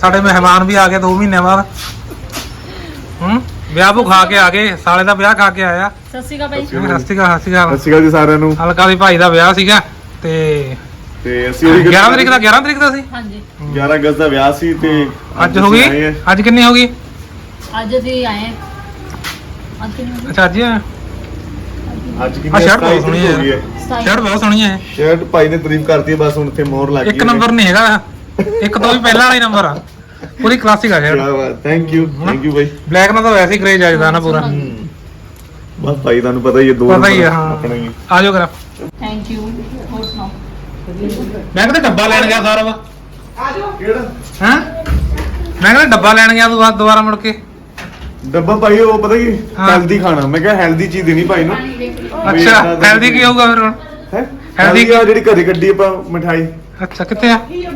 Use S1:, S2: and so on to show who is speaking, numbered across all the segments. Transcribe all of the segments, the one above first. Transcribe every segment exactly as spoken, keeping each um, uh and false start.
S1: ਸਾਡੇ ਮਹਿਮਾਨ ਵੀ ਆ ਗਏ ਦੋ ਮਹੀਨੇ ਬਾਅਦ। ਹੂੰ ਵਿਆਹ ਭੂ ਖਾ ਕੇ ਆ ਗਏ, ਸਾਲੇ ਦਾ ਵਿਆਹ ਖਾ ਕੇ ਆਇਆ।
S2: ਸਤਿ ਸ਼੍ਰੀ ਅਕਾਲ ਬਾਈ।
S1: ਸਤਿ ਸ਼੍ਰੀ ਅਕਾਲ ਸਤਿ ਸ਼੍ਰੀ ਅਕਾਲ
S3: ਸਤਿ ਸ਼੍ਰੀ ਅਕਾਲ ਜੀ ਸਾਰਿਆਂ ਨੂੰ।
S1: ਹਲਕਾ ਦੀ ਭਾਈ ਦਾ ਵਿਆਹ ਸੀਗਾ ਤੇ
S3: ਤੇ ਅਸੀਂ ਉਹਦੀ
S1: ਗਿਆਰਾਂ ਤਰੀਕ ਦਾ ਗਿਆਰਾਂ ਤਰੀਕ ਦਾ ਸੀ।
S2: ਹਾਂਜੀ
S3: ਗਿਆਰਾਂ ਅਗਸਤ ਦਾ ਵਿਆਹ ਸੀ ਤੇ
S1: ਅੱਜ ਹੋ ਗਈ। ਅੱਜ ਕਿੰਨੀ ਹੋ ਗਈ?
S2: ਅੱਜ ਅਸੀਂ ਆਏ ਅੱਜ ਕਿੰਨੀ
S1: ਅੱਛਾ ਅੱਜ ਆ
S3: ਅੱਜ
S1: ਆ ਸ਼ਰਟ ਬਹੁਤ ਸੋਹਣੀ
S3: ਹੋ ਗਈ
S1: ਹੈ। ਸ਼ਰਟ ਬਹੁਤ ਸੋਹਣੀ ਹੈ।
S3: ਸ਼ਰਟ ਭਾਈ ਨੇ ਤਾਰੀਫ ਕਰਤੀ ਹੈ, ਬਸ ਹੁਣ ਇੱਥੇ ਮੋਹਰ ਲੱਗ ਗਈ।
S1: ਇੱਕ ਨੰਬਰ ਨਹੀਂ ਹੈਗਾ, ਇੱਕ ਤੋਂ ਵੀ ਪਹਿਲਾਂ ਵਾਲਾ ਹੀ ਨੰਬਰ ਆ। ਪੂਰੀ ਕਲਾਸਿਕ ਆ ਸ਼ਰਟ।
S3: ਕੀ ਬਾਤ, ਥੈਂਕ ਯੂ ਥੈਂਕ ਯੂ ਭਾਈ।
S1: ਬਲੈਕ ਨਾਲ ਤਾਂ ਵੈਸੇ ਹੀ ਕਰੇਜ ਆਜਦਾ ਨਾ ਪੂਰਾ।
S3: ਬਸ ਭਾਈ ਤੁਹਾਨੂੰ ਪਤਾ ਹੀ ਹੈ, ਦੋ
S1: ਪਤਾ ਹੀ ਹੈ ਹਾਂ।
S3: ਆਪਣਾ ਹੀ।
S1: ਆ ਜਾਓ ਕਰਾ।
S2: Thank you. ਹੋਰ ਸੁਣਾਓ।
S1: ਮੈਂ ਕਹਿੰਦਾ ਡੱਬਾ ਲੈਣ ਗਿਆ ਸਾਰਾ ਵਾ।
S3: ਆ ਜਾਓ। ਕਿਹੜਾ?
S1: ਹਾਂ ਮੈਂ ਕਹਿੰਦਾ ਡੱਬਾ ਲੈਣ ਗਿਆ ਤੂੰ ਬਾਅਦ ਦੁਬਾਰਾ ਮੁੜ ਕੇ।
S3: ਡੱਬਾ ਭਾਈ ਉਹ ਪਤਾ ਕੀ
S1: ਹਾਂ।
S3: ਹੈਲਦੀ ਖਾਣਾ, ਮੈਂ ਕਿਹਾ ਹੈਲਦੀ ਚੀਜ਼ ਦੇਣੀ ਭਾਈ ਨੂੰ।
S1: ਅੱਛਾ ਹੈਲਦੀ ਕੀ ਹੋਊਗਾ ਫਿਰ ਹੁਣ?
S3: ਹੈ
S1: Healthy
S3: ਹੈਲਦੀ ਜਿਹੜੀ ਘਰੇ ਕੱਢੀ ਆਪਾਂ ਮਠਾਈ।
S1: ਅੱਛਾ ਕਿੱਥੇ ਆ?
S2: ਲੱਕੜੀ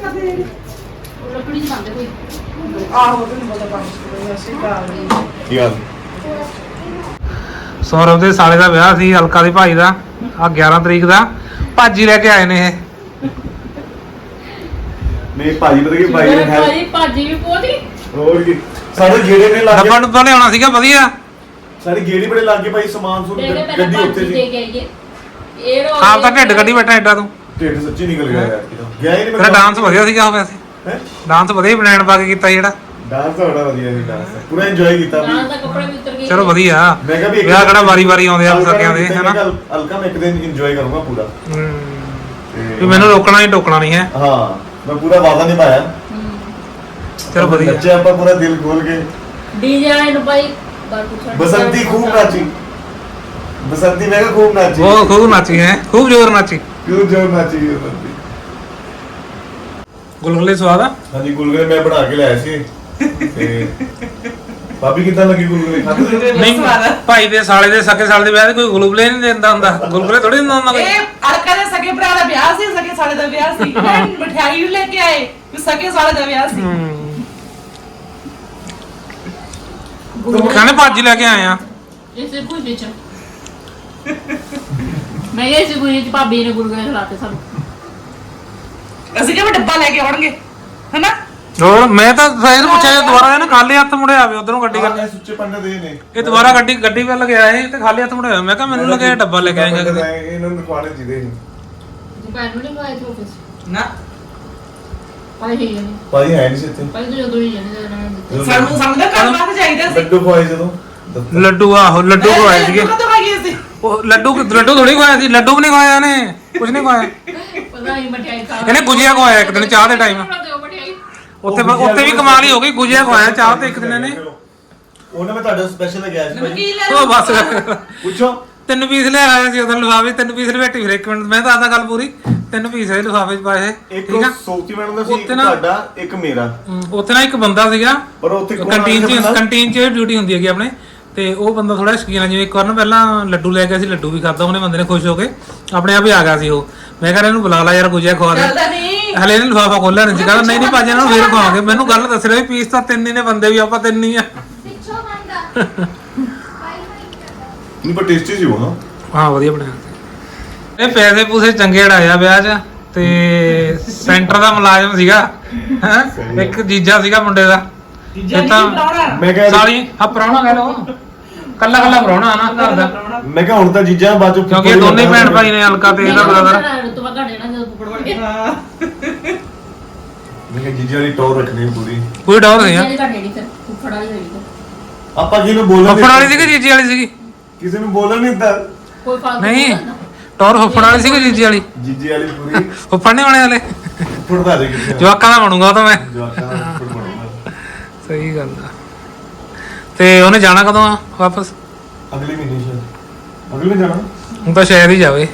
S2: ਚ ਬੰਦੇ ਕੋਈ
S3: ਕੀ ਹਾਲ?
S1: ਸੌਰਵ ਦੇ ਸਾਲੇ ਦਾ ਵਿਆਹ ਸੀ, ਹਲਕਾ ਦੇ ਭਾਈ ਦਾ। ਆ ਗਿਆਰਾਂ ਤਰੀਕ ਦਾ ਭਾਜੀ ਲੈ ਕੇ ਆਏ ਨੇ ਇਹ।
S3: ਨਹੀਂ ਭਾਜੀ ਪਤਾ ਕੀ ਭਾਈ ਨੇ ਹੈ
S2: ਭਾਜੀ ਭਾਜੀ ਵੀ ਪੋਤੀ।
S3: ਹੋਰ ਕੀ ਸਾਡੇ ਗੇੜੇ ਨੇ ਲੱਗ
S1: ਡੱਬਾ
S3: ਗਏ,
S1: ਡੁੱਬਾ ਲਿਆਉਣਾ ਸੀਗਾ ਵਧੀਆ।
S3: ਸਾਡੇ ਗੇੜੇ ਬੜੇ ਲੱਗ ਗਏ ਭਾਈ, ਸਮਾਨ ਸਮੂਨ
S2: ਦੇ ਕੇ ਪਹਿਲਾਂ
S3: ਗੱਡੀ ਉੱਥੇ
S2: ਭਾਜੀ
S3: ਸੀ।
S2: ਦੇ ਕੇ ਆਈਏ। ਇਹ ਰੋ
S1: ਆਪ ਤਾਂ ਢਿੱਡ ਕੱਢੀ ਬੈਠਾ ਐਡਾ ਤੂੰ।
S3: ਢਿੱਡ ਸੱਚੀ ਨਿਕਲ ਗਿਆ ਯਾਰ ਕਿਦੋਂ ਗਿਆ ਹੀ ਨਹੀਂ
S1: ਤੇਰਾ ਡਾਂਸ ਵਧੀਆ ਸੀਗਾ ਉਹ ਵੈਸੇ।
S3: ਹੈ
S1: ਡਾਂਸ ਵਧੀਆ ਪਲਾਨ ਪਾ ਕੇ ਕੀਤਾ ਜਿਹੜਾ।
S3: ਡਾਂਸ ਤਾਂ ਬੜਾ ਵਧੀਆ ਸੀ, ਡਾਂਸ ਪੂਰਾ ਇੰਜੋਏ ਕੀਤਾ ਵੀ।
S2: ਨਾਲ ਦਾ ਕੱਪੜੇ ਵੀ ਉਤਰ ਗਏ।
S1: ਚਲੋ ਵਧੀਆ।
S3: ਮੈਂ ਕਿਹਾ ਵੀ ਇੱਕ
S1: ਵਿਆਹ
S3: ਦਿਨ-
S1: ਕਿਹੜਾ ਵਾਰੀ ਵਾਰੀ ਆਉਂਦੇ ਆ
S3: ਹਲਕਾ
S1: ਸਕਿਆਂ ਦੇ
S3: ਮੈਂ
S1: ਹਨਾ।
S3: ਕਿਹਾ ਹਲਕਾ ਮੈਂ ਇੱਕ ਦਿਨ ਇੰਜੋਏ ਕਰੂੰਗਾ ਪੂਰਾ।
S1: ਹੂੰ
S3: ਤੇ
S1: ਵੀ ਮੈਨੂੰ ਰੋਕਣਾ ਨਹੀਂ ਟੋਕਣਾ ਨਹੀਂ ਹੈ।
S3: ਹਾਂ ਮੈਂ ਪੂਰਾ ਵਾਅਦਾ ਨਿਭਾਇਆ।
S1: ਚਲੋ ਵਧੀਆ।
S3: ਬੱਚੇ ਆਪਾਂ ਪੂਰਾ ਦਿਲ ਖੋਲ ਕੇ।
S2: ਡੀਜੇ ਵਾਲੇ ਨੂੰ ਭਾਈ ਬਾਹਰ ਪੁੱਛਣ।
S3: ਬਸੰਤੀ ਖੂਬ ਨਾਚੀ, ਬਸੰਤੀ ਮੈਂ ਕਿਹਾ ਖੂਬ ਨਾਚੀ।
S1: ਉਹ ਖੂਬ ਨਾਚੀ ਹੈ, ਖੂਬ ਜ਼ੋਰ ਨਾਚੀ।
S3: ਕਿਉਂ ਜੋਰ ਨਾਚੀ ਬਸੰਤੀ।
S1: ਗੁਲਗੁਲੇ ਸਵਾਦ ਆ।
S3: ਹਾਂਜੀ ਗੁਲਗੁਲੇ ਮੈਂ ਬਣਾ ਕੇ ਲਿਆਇਆ ਸੀ ਤੇ ਭਾਬੀ ਕਿੱਦਾਂ ਲੱਗੀ ਗੁਲਗੁਲੇ ਖਾਦੇ?
S1: ਨਹੀਂ ਭਾਈ ਦੇ ਸਾਲੇ ਦੇ ਸਕੇ ਸਾਲੇ ਦੇ ਵਿਆਹ ਦੇ ਕੋਈ ਗੁਲਗੁਲੇ ਨਹੀਂ ਦਿੰਦਾ ਹੁੰਦਾ। ਗੁਲਗੁਲੇ ਥੋੜੀ ਦਿੰਦਾ ਹੁੰਦਾ ਕੋਈ।
S4: ਇਹ ਅਲਕਾ ਦੇ ਸਕੇ ਭਰਾ ਦਾ ਵਿਆਹ ਸੀ, ਸਕੇ ਸਾਲੇ ਦਾ ਵਿਆਹ ਸੀ। ਮਠਿਆਈ ਵੀ ਲੈ ਕੇ ਆਏ ਵੀ ਸਕੇ ਸਾਲੇ ਦਾ ਵਿਆਹ ਸੀ।
S1: ਖਾਣੇ ਭਾਜੀ ਲੈ ਕੇ ਆਏ ਆ।
S2: ਇਸੇ ਪੁੱਛੇ ਚ ਮੈਂ ਇਹ ਸੀ ਕੋਈ ਭਾਬੀ ਨੇ ਗੁਰਗੁਰੇ ਖਿਲਾਤੇ ਸਾਨੂੰ।
S4: ਅਸੀਂ ਕਿਹਾ ਡੱਬਾ ਲੈ ਕੇ ਆਉਣਗੇ ਹਨਾ।
S1: ਹੋਰ ਮੈਂ ਤਾਂ ਫੇਰ ਪੁੱਛਿਆ ਜੇ ਦੁਬਾਰਾ ਇਹਨੇ ਖਾਲੀ ਹੱਥ ਮੁੜਿਆ ਆਵੇ ਉਧਰੋਂ ਗੱਡੀ ਕਰ।
S3: ਇਹ ਸੁੱਚੇ ਪੰਡੇ ਦੇ ਨੇ।
S1: ਇਹ ਦੁਬਾਰਾ ਗੱਡੀ ਗੱਡੀ ਵੱਲ ਗਿਆ ਇਹ ਤੇ ਖਾਲੀ ਹੱਥ ਮੁੜਿਆ। ਮੈਂ ਕਿਹਾ ਮੈਨੂੰ ਲੱਗਿਆ ਡੱਬਾ ਲੈ ਕੇ ਆਏਗਾ ਕਿਤੇ।
S3: ਇਹਨਾਂ ਨੂੰ ਖਵਾਣੇ ਚਾਹੀਦੇ ਨੇ।
S2: ਦੁਕਾਨ ਨੂੰ ਨਹੀਂ ਗਏ ਆਫਿਸ
S4: ਨਾ
S2: ਭਾਈ ਹੀ ਨਹੀਂ
S3: ਭਾਈ ਹੈ ਨਹੀਂ ਸੀ ਇੱਥੇ।
S2: ਭਾਈ ਤੋਂ ਜਦੋਂ ਹੀ ਜਾਂਦੇ
S4: ਸਾਨੂੰ ਸਮਝਦਾ ਕੰਮ ਵਾਸਤੇ ਚਾਹੀਦਾ ਸੀ।
S3: ਲੱਡੂ ਖਵਾਏ ਜਦੋਂ
S1: ਲੱਡੂ ਆਹੋ ਲੱਡੂ ਖਵਾਏ ਸੀਗੇ।
S4: ਕਦੋਂ ਖਾਈਏ ਸੀ?
S1: ਉਹ ਲੱਡੂ ਲੱਡੂ ਥੋੜੀ ਖਵਾਇਆ ਸੀ। ਲੱਡੂ ਵੀ ਨਹੀਂ ਖਵਾਇਆ ਇਹਨੇ, ਕੁਝ ਨਹੀਂ ਖਵਾਇਆ।
S2: ਪਤਾ ਨਹੀਂ ਮਠਿਆਈ ਖਾ
S1: ਇਹਨੇ ਗੁਜੀਆ ਖਵਾਇਆ ਇੱਕ ਦਿਨ ਚਾਹ ਦੇ ਟਾਈਮ। ਉੱਥੇ ਉੱਥੇ ਵੀ ਕਮਾਲ ਹੀ ਹੋ ਗਈ। ਗੁਜੀਆ ਖਵਾਇਆ ਚਾਹ ਤੇ ਇੱਕ ਦਿਨ ਇਹਨੇ।
S3: ਉਹਨੇ ਮੈਂ ਤੁਹਾਡਾ ਸਪੈਸ਼ਲ ਲਗਾਇਆ ਸੀ ਭਾਈ।
S4: ਨਮਕੀਨ ਲੈ
S1: ਉਹ ਬਸ
S3: ਪੁੱਛੋ
S1: ਤਿੰਨ ਪੀਸ ਲੈ ਆਇਆ ਸੀ ਉਦੋਂ ਲਿਫਾਫੇ। ਤਿੰਨ ਪੀਸ ਲਵੇਟੀ ਫਿਰ ਇੱਕ ਮਿੰਟ ਮੈਂ ਤਾਂ ਆਦਾ ਗੱਲ ਪੂਰੀ। ਤਿੰਨ ਪੀਸ ਇਹ ਲਿਫਾਫੇ ਚ ਪਾਏ
S3: ਇੱਕ
S1: ਠੀਕ ਆ।
S3: ਸੋਫਤੀ ਮੈਡਮ ਦਾ ਸੀ, ਇੱਕ
S1: ਉੱਥੇ ਨਾ-
S3: ਤੁਹਾਡਾ ਇੱਕ ਮੇਰਾ।
S1: ਹਮ, ਉੱਥੇ ਨਾ ਇੱਕ ਬੰਦਾ ਸੀਗਾ
S3: ਪਰ ਉੱਥੇ ਕੌਣ
S1: ਕੰਟੀਨ
S3: ਆਇਆ
S1: ਚ
S3: ਬੰਦਾ?
S1: ਕੰਟੀਨ ਚ ਡਿਊਟੀ ਹੁੰਦੀ ਹੈਗੀ ਆਪਣੇ ਤੇ ਉਹ ਬੰਦਾ ਥੋੜਾ ਸ਼ਕੀਨ ਆ। ਜਿਵੇਂ ਇੱਕ ਵਾਰ ਨਾ ਪਹਿਲਾਂ ਲੱਡੂ ਲੈ ਗਿਆ ਸੀ, ਲੱਡੂ ਵੀ ਖਾਦਾ ਉਹਨੇ ਬੰਦੇ ਨੇ ਖੁਸ਼ ਹੋ ਕੇ ਆਪਣੇ ਆਪ ਹੀ ਆ ਗਿਆ ਸੀ ਉਹ। ਮੈਂ ਕਹਿੰਦਾ ਇਹਨੂੰ ਬੁਲਾ ਲਾ ਯਾਰ ਗੁਜੀਆ ਖਵਾ ਦੇ।
S4: ਚੱਲਦਾ ਨਹੀਂ।
S1: ਹਲੇ ਇਹਨੇ ਲਿਫਾਫਾ ਖੋਲਿਆ ਨਹੀਂ ਸੀ। ਕਹਿੰਦਾ ਨਹੀਂ ਨਹੀਂ ਭਾਜੀ ਇਹਨਾਂ ਨੂੰ ਫੇਰ ਖਵਾਵਾਂਗੇ। ਮੈਨੂੰ ਗੱਲ ਦੱਸ ਰਿਹਾ ਵੀ ਪੀਸ ਤਾਂ ਤਿੰਨ ਹੀ ਨੇ, ਬੰਦੇ ਵੀ ਆਪਾਂ ਤਿੰਨ ਹੀ ਆ।
S3: ਨਹੀਂ ਪਰ ਟੇਸਟੀ ਸੀ ਉਹ। ਹਾਂ
S1: ਹਾਂ ਵਧੀਆ ਬਣਿਆ ਸੀ। ਇਹ ਪੈਸੇ ਪੂਸੇ ਚੰਗੇ ਅੜਾਇਆ ਵਿਆਹ 'ਚ ਤੇ ਸੈਂਟਰ ਦਾ ਮੁਲਾਜ਼ਮ ਸੀਗਾ ਹੈ। ਇੱਕ ਜੀਜਾ ਸੀਗਾ ਮੁੰਡੇ ਦਾ।
S4: ਜੀਜਾ
S1: ਇਹ
S4: ਜੀ
S1: ਤਾਂ
S4: ਬਣਾਉਣਾ।
S3: ਮੈਂ ਕਿਹਾ
S1: ਸਾਲੀ ਆ ਪ੍ਰਾਹੁਣਾ ਕਹਿ ਲਓ। ਕੱਲਾ ਕੱਲਾ ਪ੍ਰਾਹੁਣਾ ਨਾ ਘਰ ਦਾ,
S3: ਮੈਂ ਕਿਹਾ ਹੁਣ ਤਾਂ ਜੀਜਾਂ ਬਾਅਦ ਚੋਂ
S1: ਕਿਉਂਕਿ ਇਹ ਦੋਨੇ ਭੈਣ ਭਾਈ ਨੇ ਹਲਕਾ ਤੇ ਇਹਦਾ ਬ੍ਰਦਰ।
S2: ਰੁਤਬਾ ਘਟੇ ਨਾ ਜਦੋਂ ਪੁੱਪੜ ਵੜ ਕੇ
S3: ਮੈਂ ਕਿਹਾ ਜੀਜਾ ਦੀ ਟੌਰ ਰੱਖਣੀ ਪੂਰੀ।
S1: ਕੋਈ ਡਰ ਨਹੀਂ ਆ।
S2: ਜਿਹੜੀ ਘਟੇ ਨਹੀਂ ਫਿਰ ਪੁੱਪੜ ਵਾਲੀ ਹੋਈ ਫਿਰ
S3: ਆਪਾਂ ਜਿਹਨੂੰ ਬੋਲਣ
S1: ਫੁੱਫੜ ਵਾਲੀ ਸੀਗੀ ਜੀਜੀ ਵਾਲੀ ਸੀਗੀ?
S3: ਕਿਸੇ ਨੂੰ ਬੋਲਣ ਨਹੀਂ ਦਿੱਤਾ।
S2: ਕੋਈ ਫਾਲਤੂ
S1: ਨਹੀਂ ਟੌਰ ਫੁੱਫੜ ਵਾਲੀ ਸੀਗੀ ਜੀਜੀ ਵਾਲੀ?
S3: ਜੀਜੀ ਵਾਲੀ ਪੂਰੀ
S1: ਫੁੱਫੜ ਨਹੀਂ ਬਣੇ ਹਲੇ।
S3: ਫੁੱਟਦਾ ਦੇ ਕਿੱਥੇ
S1: ਜਵਾਕਾਂ ਦਾ ਬਣੂਗਾ ਉਹ ਤਾਂ ਮੈਂ।
S3: ਜਵਾਕਾਂ ਦਾ ਫੁੱਟ ਬਣੂਗਾ।
S1: ਸਹੀ ਗੱਲ ਆ। ਤੇ ਉਹਨੇ ਜਾਣਾ ਕਦੋਂ ਆ ਵਾਪਸ?
S3: ਅਗਲੇ ਮਹੀਨੇ ਸ਼ਾਇਦ। ਅਗਲੇ ਜਾਣਾ
S1: ਹੁਣ ਤਾਂ ਸ਼ਾਇਦ ਹੀ ਜਾਵੇ।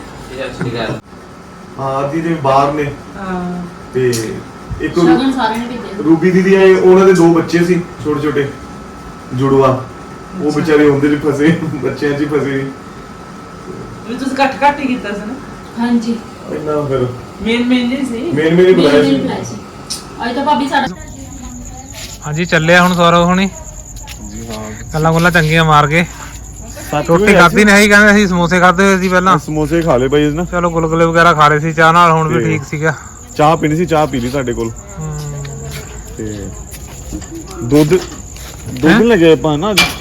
S3: ਹਾਂ ਦੀ ਦੇ ਬਾਹਰ ਨੇ।
S4: ਹਾਂ
S3: ਤੇ ਇੱਕ ਰੂ-
S2: ਸ਼ਗਨ ਸਾਰੇ ਨੇ ਭੇਜੇ।
S3: ਰੂਬੀ ਦੀਦੀ ਆਏ, ਉਹਨਾਂ ਦੇ ਦੋ ਬੱਚੇ ਸੀ ਛੋਟੇ ਛੋਟੇ ਜੁੜਵਾ। ਉਹ ਵਿਚਾਰੇ ਹੁੰਦੇ ਨੇ ਫਸੇ, ਬੱਚਿਆਂ 'ਚ ਹੀ ਫਸੇ।
S4: ਵੀ ਤੁਸੀਂ ਘੱਟ ਘੱਟ ਹੀ ਕੀਤਾ ਸੀ ਨਾ।
S2: ਹਾਂਜੀ
S3: ਇੰਨਾ ਫਿਰ
S4: ਮੇਨ ਮੇਨ ਨਹੀਂ ਸੀ।
S3: ਮੇਨ ਮੇਨ ਹੀ ਬੁਲਾਇਆ
S2: ਮੇਰੀ
S3: ਸੀ।
S2: ਬੁਲਾਈ ਸੀ ਅੱਜ ਤਾਂ ਭਾਬੀ ਸਾਡਾ
S1: ਹਾਂਜੀ ਚੱਲਿਆ ਹੁਣ ਸੌਰਵ ਹੁਣੀ।
S3: ਜੀ ਹਾਂ
S1: ਗੱਲਾਂ ਗੁੱਲਾਂ ਚੰਗੀਆਂ ਮਾਰ ਕੇ। ਰੋਟੀ ਖਾਧੀ ਨਹੀਂ ਕਹਿੰਦੇ ਅਸੀਂ ਸਮੋਸੇ ਖਾਦੇ ਹੋਏ ਸੀ ਪਹਿਲਾਂ।
S3: ਸਮੋਸੇ ਖਾ ਲਏ ਭਾਈ ਨਾ।
S1: ਚਲੋ ਗੁਲਗੁਲੇ ਵਗੈਰਾ ਖਾ ਰਹੇ ਸੀ ਚਾਹ ਨਾਲ। ਹੁਣ ਵੀ
S3: ਤੇ-
S1: ਠੀਕ ਸੀਗਾ।
S3: ਚਾਹ ਪੀਣੀ ਸੀ, ਚਾਹ ਪੀ ਲਈ ਤੁਹਾਡੇ ਕੋਲ।
S1: ਹਮ,
S3: ਤੇ ਦੁੱਧ ਦੁੱਧ ਲੱਗੇ ਆਪਾਂ ਨਾ ਅੱਜ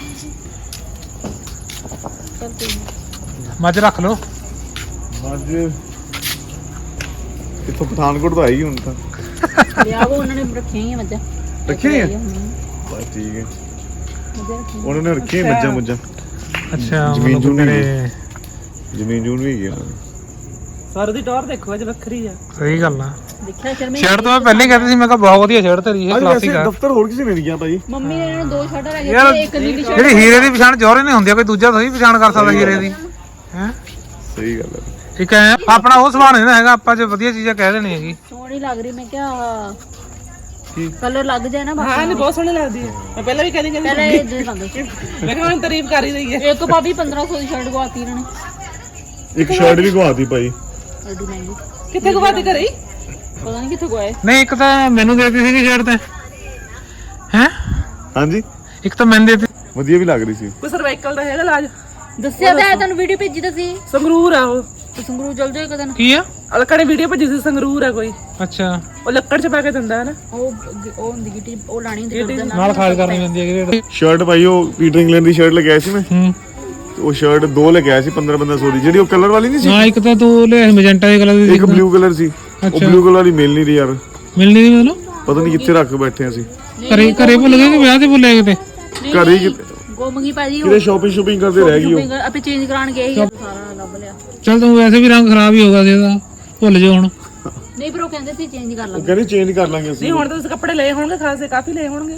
S1: ਮੱਝ ਰੱਖ ਲਓ।
S3: ਅੱਜ ਕਿੱਥੋਂ ਪਠਾਨਕੋਟ ਤੋਂ ਆਈ ਹੁਣ ਤਾਂ
S2: ਲਿਆ ਉਹ ਉਹਨਾਂ ਨੇ ਰੱਖੀਆਂ ਹੀ ਆ ਮੱਝਾਂ।
S3: ਰੱਖੀ ਹੈ ਬਸ ਠੀਕ ਹੈ ਉਹਨਾਂ ਨੇ ਰੱਖੀ ਮੱਝਾਂ ਮੁੱਝਾਂ
S1: ਅੱਛਾ
S3: ਜ਼ਮੀਨ
S1: ਮਤਲਬ
S3: ਜੂਨ ਵੀ
S1: ਮੇਰੇ
S3: ਜ਼ਮੀਨ ਜੂਨ ਵੀ ਹੈਗੀ ਉਹਨਾਂ ਦੀ
S4: ਸਰ ਦੀ ਟੌਰ ਦੇਖੋ ਅੱਜ ਵੱਖਰੀ ਆ।
S1: ਸਹੀ ਗੱਲ ਆ।
S2: ਦੇਖਿਆ ਸ਼ਰਮੇ
S1: ਸ਼ਰਟ ਤਾਂ ਮੈਂ ਪਹਿਲੇ ਕਹਿੰਦੀ ਸੀ, ਮੈਂ ਕਿਹਾ ਬਹੁਤ ਵਧੀਆ ਸ਼ਰਟ ਤੇਰੀ ਇਹ
S3: ਅੱਜ
S1: ਕਲਾਸਿਕ
S3: ਵੈਸੇ
S1: ਆ।
S3: ਦਫ਼ਤਰ ਹੋਰ ਕਿਸੇ ਨੇ ਨਹੀਂ ਗਿਆ ਭਾਈ।
S2: ਮੰਮੀ ਨੇ ਇਹਨਾਂ ਨੂੰ ਦੋ ਸ਼ਰਟਾਂ ਲੈ
S1: ਯਾਰ
S2: ਕੇ ਇੱਕ ਨੀਲੀ ਸ਼ਰਟ
S1: ਜਿਹੜੀ ਹੀਰੇ ਦੀ ਪਛਾਣ ਜੋਰੇ ਨਹੀਂ ਹੁੰਦੀ, ਕੋਈ ਦੂਜਾ ਥੋੜੀ ਪਛਾਣ ਕਰ ਸਕਦਾ ਹੀਰੇ ਦੀ ਹੈ।
S3: ਸਹੀ ਗੱਲ ਹੈ।
S1: ਠੀਕ ਹੈ ਆਪਣਾ ਉਹ ਸੁਭਾਅ ਨਹੀਂ ਨਾ ਹੈਗਾ, ਆਪਾਂ ਜੇ ਵਧੀਆ ਚੀਜ਼ਾਂ ਕਹਿ ਦੇਣੀ ਹੈਗੀ।
S2: ਸੋਹਣੀ ਲੱਗ ਰਹੀ। ਮੈਂ ਕਿਹਾ
S3: ਕੀ
S2: ਕਲਰ ਲੱਗ ਜਾਏ ਨਾ
S4: ਹਾਂ ਨਹੀਂ ਬਹੁਤ ਸੋਹਣੀ ਲੱਗਦੀ ਹੈ। ਮੈਂ ਪਹਿਲਾਂ ਵੀ ਕਹਿੰਦੀ
S2: ਪਹਿਲਾਂ
S4: ਕਹਿੰਦੀ
S2: ਇਹ ਦੇ ਦਾਂਗੇ।
S4: ਮੈਂ ਕਿਹਾ ਹੁਣ ਤਾਰੀਫ ਕਰ ਹੀ ਰਹੀ ਹੈ।
S2: ਇੱਕ ਭਾਬੀ ਪੰਦਰਾਂ ਸੌ ਦੀ ਸ਼ਰਟ ਗਵਾਤੀ ਇਹਨਾਂ ਨੇ।
S3: ਇੱਕ ਸ਼ਰਟ ਵੀ ਗਵਾਤੀ ਭਾਈ।
S2: ਐਡੀ ਮਹਿੰਗੀ
S4: ਕਿੱਥੇ ਗਵਾਤੀ ਕਰੀ
S2: ਪਤਾ ਨਹੀਂ ਕਿੱਥੇ ਗਵਾਏ।
S1: ਨਹੀਂ ਇੱਕ ਤਾਂ ਮੈਨੂੰ ਦੇ ਦਿੱਤੀ ਸੀਗੀ ਸ਼ਰਟ ਤੇ ਹੈ,
S3: ਹਾਂਜੀ
S1: ਇੱਕ ਤਾਂ ਮੈਨੂੰ ਦੇ ਦਿੱਤੀ।
S3: ਵਧੀਆ ਵੀ ਲੱਗ ਰਹੀ ਸੀ।
S4: ਕੋਈ ਸਰਵਾਈਕਲ ਦਾ ਹੈਗਾ ਇਲਾਜ?
S2: ਦੱਸਿਆ ਤਾਂ ਹੈ ਤੁਹਾਨੂੰ, ਵੀਡੀਓ ਭੇਜੀ ਤਾਂ ਸੀ।
S4: ਸੰਗਰੂਰ ਆ ਉਹ।
S2: ਤੇ ਸੰਗਰੂ ਚਲ ਜਾਏ ਕਦਨ।
S1: ਕੀ ਆ?
S4: ਅਲਕਾ ਨੇ ਵੀਡੀਓ ਭੇਜੀ ਸੀ, ਸੰਗਰੂਰ ਆ ਕੋਈ।
S1: ਅੱਛਾ
S4: ਉਹ ਲੱਕੜ ਚ ਪਾ ਕੇ ਦਿੰਦਾ ਹੈ ਨਾ।
S2: ਉਹ ਉਹ ਹੁੰਦੀ ਗਿੱਟੀ ਉਹ ਲਾਣੀ ਹੁੰਦੀ ਉਹਦੇ
S1: ਨਾਲ ਖਾਜ ਕਰਨੀ ਪੈਂਦੀ ਹੈ।
S3: ਸ਼ਰਟ ਭਾਈ ਉਹ ਪੀਟਰ ਇੰਗਲੈਂਡ ਦੀ ਸ਼ਰਟ ਲੈ ਕੇ ਆਇਆ ਸੀ ਮੈਂ।
S1: ਹੂੰ
S3: ਉਹ ਸ਼ਰਟ ਦੋ ਲੈ ਕੇ ਆਇਆ ਸੀ ਪੰਦਰਾਂ ਪੰਦਰਾਂ ਸੌ ਦੀ, ਜਿਹੜੀ ਉਹ ਕਲਰ ਵਾਲੀ ਨਹੀਂ ਸੀ।
S1: ਹਾਂ ਇੱਕ ਤਾਂ ਤੂੰ ਲੈ ਮੈਜੈਂਟਾ ਦੇ ਕਲਰ ਦੀ
S3: ਇੱਕ ਬਲੂ ਕਲਰ ਸੀ। ਉਹ ਬਲੂ ਕਲਰ ਵਾਲੀ ਮਿਲ ਨਹੀਂ ਰਹੀ ਯਾਰ,
S1: ਮਿਲਣੀ ਨਹੀਂ ਮੈਨੂੰ
S3: ਪਤਾ ਨਹੀਂ ਕਿੱਥੇ ਰੱਖ ਬੈਠੇ ਅਸੀਂ।
S1: ਘਰੇ ਘਰੇ ਭੁੱਲ ਗਏ ਕਿ ਵਿਆਹ ਤੇ ਭੁੱਲੇ ਕਿਤੇ?
S3: ਘਰੇ ਹੀ ਕਿਤੇ
S2: ਗੋਮਗੀ ਭਾਜੀ
S3: ਕਿਤੇ ਸ਼ਾਪਿੰਗ ਸ਼ੂਪਿੰਗ ਕਰਦੇ ਰਹਿ ਗਈ ਉਹ।
S2: ਆਪੇ ਚੇਂਜ ਕਰਾਣ ਗਏ ਸੀ, ਸਾਰਾ ਲੱਭ ਲਿਆ।
S1: ਚੱਲ ਤੂੰ ਵੈਸੇ ਵੀ ਰੰਗ ਖਰਾਬ ਹੀ ਹੋਗਾ ਸੀ ਇਹਦਾ, ਭੁੱਲ ਜਾ ਹੁਣ।
S2: ਨਹੀਂ ਪਰ ਉਹ ਕਹਿੰਦੇ ਸੀ ਚੇਂਜ ਕਰ
S3: ਉਹ
S2: ਲਾਂਗੇ।
S3: ਕਹਿੰਦੇ ਚੇਂਜ ਕਰ ਲਾਂਗੇ ਅਸੀਂ।
S4: ਨਹੀਂ ਹੁਣ ਤਾਂ ਤੁਸੀਂ ਕੱਪੜੇ ਲਏ ਹੋਣਗੇ ਖਾਸੇ, ਕਾਫੀ ਲਏ ਹੋਣਗੇ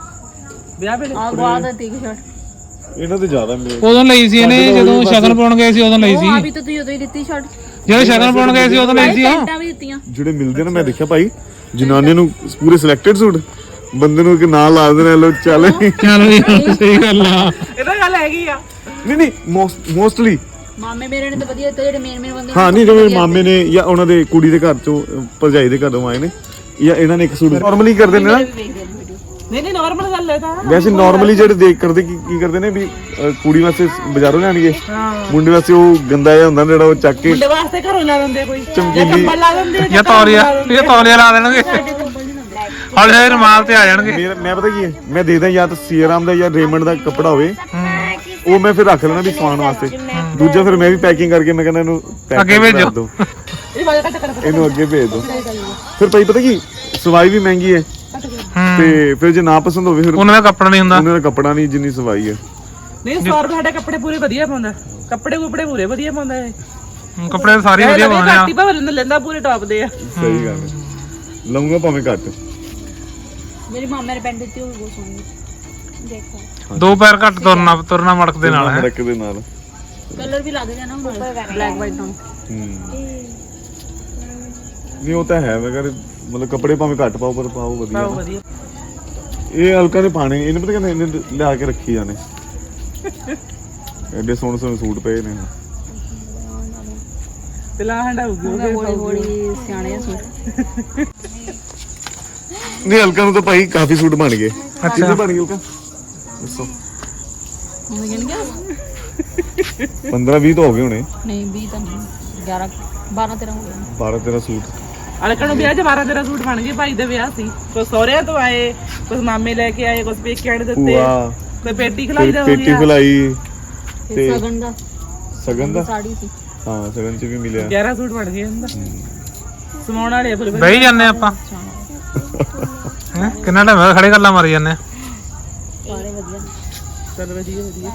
S4: ਵਿਆਹ ਵੇਲੇ।
S2: ਆ ਗਵਾ ਦਾ ਟੀ ਸ਼ਰਟ
S3: ਇਹਨਾਂ ਤੇ ਜ਼ਿਆਦਾ ਮਿਲੇ।
S1: ਉਦੋਂ ਲਈ ਸੀ ਇਹਨੇ, ਜਦੋਂ ਸ਼ਗਨ ਪਾਉਣ ਗਏ ਸੀ ਉਦੋਂ ਲਈ ਸੀ।
S2: ਆ ਵੀ ਤਾਂ ਤੁਸੀਂ ਉਦੋਂ ਹੀ ਦਿੱਤੀ ਸ਼ਰਟ।
S1: ਜਦੋਂ ਸ਼ਗਨ ਪਾਉਣ ਗਏ ਸੀ ਉਦੋਂ ਲਈ ਸੀ ਉਹ।
S2: ਪੈਂਟਾਂ ਵੀ ਦਿੱਤੀਆਂ।
S3: ਜਿਹੜੇ ਮਿਲਦੇ ਨੇ ਮੈਂ ਦੇਖਿਆ ਭਾਈ, ਜਨਾਨੀਆਂ ਨੂੰ ਪੂਰੇ ਸਿਲੈਕਟਡ ਸੂਟ, ਬੰਦੇ ਨੂੰ ਇੱਕ ਨਾਂ ਲਾ ਦਿੰਦੇ ਨੇ, ਲੋ ਚੱਲ।
S1: ਚੱਲ ਵੀ ਸਹੀ ਗੱਲ ਆ।
S4: ਇਹਦਾ ਗੱਲ ਹੈਗੀ ਆ।
S3: ਨਹੀਂ ਨਹੀਂ ਮੋਸਟਲੀ
S2: ਮਾਮੇ ਮੇਰੇ ਨੇ ਤਾਂ ਵਧੀਆ ਦਿੱਤੇ, ਜਿਹੜੇ ਮੇਨ ਮੇਨ ਬੰਦੇ
S3: ਹਾਂ। ਨਹੀਂ ਜਿਵੇਂ ਮਾਮੇ ਨੇ ਜਾਂ ਉਹਨਾਂ ਦੇ ਕੁੜੀ ਦੇ ਘਰ ਚੋਂ ਭਰਜਾਈ ਦੇ ਘਰੋਂ ਆਏ ਨੇ, ਜਾਂ ਇਹਨਾਂ ਨੇ ਇੱਕ ਸੂਟ ਨਾਰਮਲੀ ਕਰਦੇ ਨੇ ਨਾ।
S4: ਨਹੀਂ ਨਹੀਂ ਨਾਰਮਲ ਗੱਲ ਹੈ ਤਾਂ।
S3: ਵੈਸੇ ਨਾਰਮਲੀ ਜਿਹੜੇ ਦੇਖ ਕਰਦੇ ਕੀ ਕੀ ਕਰਦੇ ਨੇ ਵੀ ਅ, ਕੁੜੀ ਵਾਸਤੇ ਬਾਜ਼ਾਰੋਂ ਲੈਣਗੇ, ਮੁੰਡੇ ਵਾਸਤੇ ਉਹ ਗੰਦਾ ਜਿਹਾ ਹੁੰਦਾ ਜਿਹੜਾ ਉਹ ਚੱਕ ਕੇ
S4: ਮੁੰਡੇ ਵਾਸਤੇ ਘਰੋਂ ਲਾ ਦਿੰਦੇ ਕੋਈ, ਜਾਂ
S3: ਚਮਕੀਲੀ
S4: ਕੰਬਲ ਲਾ ਦਿੰਦੇ ਆ,
S1: ਜਾਂ ਤੌਲੀਆ, ਇਹ ਤੌਲੀਆ ਲਾ ਦੇਣਗੇ, ਹੌਲੀ ਹੌਲੀ ਰੁਮਾਲ ਤੇ ਆ ਜਾਣਗੇ।
S3: ਮੇਰਾ ਮੈਂ ਪਤਾ ਕੀ ਹੈ, ਮੈਂ ਦੇਖਦਾ ਜਾਂ ਤਾਂ ਸੀਆਰਾਮ ਦਾ ਜਾਂ ਰੇਮੰਡ ਦਾ ਕੱਪੜਾ ਹੋਵੇ, ਉਹ ਮੈਂ ਫਿਰ ਰੱਖ ਲੈਣਾ ਵੀ ਸਵਾਉਣ ਵਾਸਤੇ। ਦੂਜਾ ਫਿਰ ਮੈਂ ਵੀ ਪੈਕਿੰਗ ਕਰਕੇ ਮੈਂ ਕਹਿੰਦਾ ਇਹਨੂੰ pack
S1: ਅੱਗੇ
S3: ਕਰਕੇ
S1: ਭੇਜੋ।
S3: ਰੱਖ ਦਿਓ,
S4: ਇਹ ਵਾਲਾ ਕੱਟ ਕਰ
S3: ਇਹਨੂੰ ਅੱਗੇ ਭੇਜ ਦਿਓ। ਫਿਰ ਭਾਈ ਪਤਾ ਕੀ, ਸਵਾਈ ਵੀ ਮਹਿੰਗੀ ਹੈ, ਤੇ ਫਿਰ ਜੇ ਨਾ ਪਸੰਦ ਹੋਵੇ ਫਿਰ
S1: ਉਹਨਾਂ ਦਾ ਕੱਪੜਾ ਨਹੀਂ ਹੁੰਦਾ।
S3: ਉਹਨਾਂ ਦਾ ਕੱਪੜਾ ਨਹੀਂ ਜਿੰਨੀ ਸਵਾਈ ਹੈ।
S4: ਨਹੀਂ ਸੌ ਰੁਪਏ ਸਾਡੇ ਕੱਪੜੇ ਪੂਰੇ ਵਧੀਆ ਪਾਉਂਦਾ, ਕੱਪੜੇ ਕੁਪੜੇ ਪੂਰੇ ਵਧੀਆ ਪਾਉਂਦਾ ਇਹ।
S1: ਹਮ, ਕੱਪੜੇ ਤਾਂ ਸਾਰੇ ਵਧੀਆ ਪਾਉਂਦੇ ਆ।
S4: ਘੱਟ ਹੀ ਭਾਵੇਂ ਲੈਂਦਾ ਲੈਂਦਾ ਪੂਰੇ ਟੌਪ ਦੇ ਆ।
S3: ਸਹੀ ਗੱਲ ਹੈ, ਲਊਂਗਾ ਭਾਵੇਂ ਘੱਟ।
S2: ਮੇਰੀ ਮਾਮੇ ਨੇ ਪੈਂਟ ਦਿੱਤੀ, ਉਹ ਵੀ ਬਹੁਤ ਸੋਹਣੀ। ਦੇਖੋ
S1: ਦੋ ਪੈਰ ਘੱਟ ਤੁਰਨਾ ਤੁਰਨਾ ਮੜਕ ਦੇ ਨਾਲ ਹੈ।
S3: ਮੜਕ ਦੇ ਨਾਲ
S2: ਕਲਰ ਵੀ ਲੱਗ ਜਾਣਾ ਹੁਣ ਬਲੈਕ ਵਾਈਟ ਨਾਲ।
S3: ਹੂੰ ਨਹੀਂ ਉਹ ਤਾਂ ਹੈ, ਮੈਂ ਕਹਿੰਦਾ ਮਤਲਬ ਕੱਪੜੇ ਭਾਵੇਂ ਘੱਟ ਪਾਓ ਪਰ ਪਾਓ ਵਧੀਆ
S4: ਬਹੁਤ
S3: ਨਾ।
S4: ਵਧੀਆ।
S3: ਇਹ ਹਲਕਾ ਦੇ ਪਾਣੇ ਇਹਨੇ ਪਤਾ ਕਹਿੰਦੇ ਇਹਨੇ ਲਿਆ ਕੇ ਰੱਖੀ ਜਾਣੇ, ਐਡੇ ਸੋਹਣੇ ਸੋਹਣੇ ਸੂਟ ਪਏ ਨੇ।
S4: ਤੇ ਲਾ ਹੰਡਾਉਗੀ ਉਹ
S2: ਹੌਲੀ ਹੌਲੀ ਸਿਆਣੇ ਆ ਸੂਟ।
S3: ਨਹੀਂ ਹਲਕਾ ਨੂੰ ਤਾਂ ਭਾਈ ਕਾਫੀ ਸੂਟ ਬਣ ਗਏ। ਕਿੰਨੇ ਬਣ ਗਏ ਹਲਕਾ ਦੱਸੋ?
S2: ਮੰਮੀ ਕਹਿੰਦੀ ਕਿ
S3: ਪੰਦਰਾਂ ਵੀਹ ਤਾਂ ਹੋ ਗਏ ਹੋਣੇ।
S2: ਨਹੀਂ ਵੀਹ ਤਾਂ ਨਹੀਂ, ਗਿਆਰਾਂ ਬਾਰਾਂ ਤੇਰਾਂ ਹੋ ਗਏ।
S3: ਬਾਰਾਂ ਤੇਰਾਂ ਸੂਟ।
S4: ਅਲਕਾ ਨੂੰ ਵਿਆਹ ਚ ਬਾਰਾਂ ਤੇਰਾਂ ਸੂਟ ਬਣ ਗਏ। ਭਾਈ ਦਾ ਵਿਆਹ ਸੀ, ਕੋਈ ਸਹੁਰਿਆਂ ਤੋਂ ਆਏ, ਕੁਝ ਮਾਮੇ ਲੈ ਕੇ ਆਏ, ਕੁਝ ਪੇਕਿਆਂ ਨੇ ਦਿੱਤੇ,
S3: ਭੂਆ
S4: ਕੋਈ ਪੇਟੀ ਖਲਾਈ ਦਾ ਹੋ
S3: ਪੇਟੀ
S4: ਗਿਆ।
S3: ਫਲਾਈ
S2: ਤੇ ਸਗਨ ਦਾ
S3: ਸਗਨ ਦਾ
S2: ਸਾੜੀ ਸੀ।
S3: ਹਾਂ ਸਗਨ ਚ ਵੀ ਮਿਲਿਆ।
S4: ਗਿਆਰਾਂ ਸੂਟ ਬਣ ਗਏ ਹੁੰਦਾ। ਸਮਾਉਣ ਵਾਲੇ ਆ ਫਿਰ
S1: ਬਈ ਜਾਂਦੇ ਆਪਾਂ ਹੈਂ? ਕਿੰਨਾ ਟਾਈਮ ਹੋਇਆ ਖੜੇ ਗੱਲਾਂ ਮਾਰੀ ਜਾਂਦੇ ਆ।
S2: ਸਾਰੇ ਵਧੀਆ।
S4: ਚੱਲ ਵਧੀਆ ਵਧੀਆ।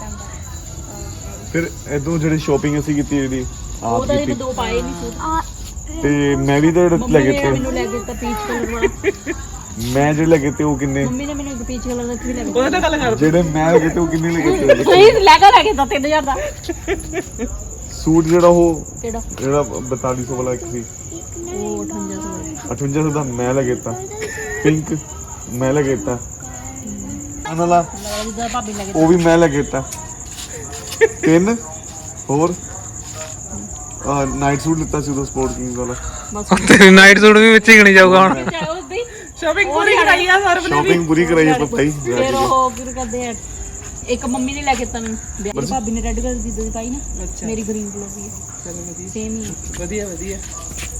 S3: ਫਿਰ ਇਦੋਂ ਜਿਹੜੀ ਸ਼ਾਪਿੰਗ ਅਸੀਂ ਕੀਤੀ ਜਿਹੜੀ
S2: ਉਹ
S3: ਆਪ
S2: ਤਾਂ
S3: ਕੀਤੀ,
S2: ਇਹਨੇ ਦੋ ਪਾਏ ਨਹੀਂ ਸੂਟ।
S3: ਤੇ ਮੈਂ ਵੀ ਤਾਂ ਲੈ
S2: ਮੰਮੀ
S3: ਕੇ
S2: ਨੇ
S3: ਤੇ
S2: ਮੈਨੂੰ ਲੈ ਕੇ ਦਿੱਤਾ ਪੀਚ ਕਲਰ ਵਾਲਾ।
S3: ਮੈਂ ਜਿਹੜੇ ਲੈ ਕੇ ਤੇ ਉਹ ਕਿੰਨੇ,
S2: ਮੰਮੀ ਨੇ ਮੈਨੂੰ ਇੱਕ ਪੀਚ ਕਲਰ ਦਾ ਵੀ ਲੈ ਕੇ
S4: ਉਹਦੇ ਤਾਂ ਗੱਲ ਕਰ।
S3: ਜਿਹੜੇ ਮੈਂ ਲੈ ਕੇ ਤੇ ਉਹ ਕਿੰਨੇ ਲੈ ਕੇ ਤੇ
S2: ਸਹੀ ਲੈ ਕੇ ਲੈ ਕੇ ਦਿੱਤਾ ਤਿੰਨ ਹਜ਼ਾਰ ਦਾ।
S3: ਸੂਟ ਜਿਹੜਾ ਉਹ
S2: ਕਿਹੜਾ?
S3: ਜਿਹੜਾ ਬਤਾਲੀ ਸੌ ਵਾਲਾ ਇੱਕ ਸੀ,
S2: ਉਹ ਅਠਵੰਜਾ ਸੌ ਦਾ।
S3: ਅਠਵੰਜਾ ਸੌ ਦਾ ਮੈਂ ਲੈ ਕੇ ਤਾ। ਪਿੰਕ ਮੈਂ ਲੈ ਕੇ ਤਾ, ਉਹਨਾਂ ਦਾ
S2: ਜਿੱਦਾਂ ਭਾਬੀ ਲੈ ਕੇ
S3: ਉਹ ਵੀ ਮੈਂ ਲੈ ਕੇ ਤਾ। ਤਿੰਨ ਹੋਰ ਨਾਈਟ ਸੂਟ ਲਿੱਤਾ ਸੀ ਉਹ ਸਪੋਰਟ ਕਿੰਗ ਵਾਲਾ।
S2: ਬਸ
S1: ਤੇਰੀ ਨਾਈਟ ਸੂਟ ਵੀ ਵਿੱਚ ਹੀ ਗਣੀ ਜਾਊਗਾ ਹੁਣ।
S2: ਚਾਹੇ ਉਸ ਦੀ
S4: ਸ਼ਾਪਿੰਗ ਪੂਰੀ ਕਰਾਈ ਆ ਸਰ ਨੇ ਵੀ।
S3: ਸ਼ਾਪਿੰਗ ਪੂਰੀ ਕਰਾਈ ਆਪਾਂ ਭਾਈ।
S2: ਫਿਰ ਉਹ ਕੀ ਕਰਦੇ ਆ, ਇੱਕ ਮੰਮੀ ਨੇ ਲੈ ਕੇ ਦਿੱਤਾ ਮੈਨੂੰ, ਮੇਰੀ ਭਾਬੀ ਨੇ ਰੈੱਡ ਕਲਰ ਦੀ ਦੁੱਧ ਪਾਈ ਨਾ, ਮੇਰੀ ਗ੍ਰੀਨ ਕਲਰ ਦੀ
S4: ਚਲੋ ਵਧੀਆ
S2: ਸੇਮ ਹੀ ਹੈ।
S4: ਵਧੀਆ ਵਧੀਆ।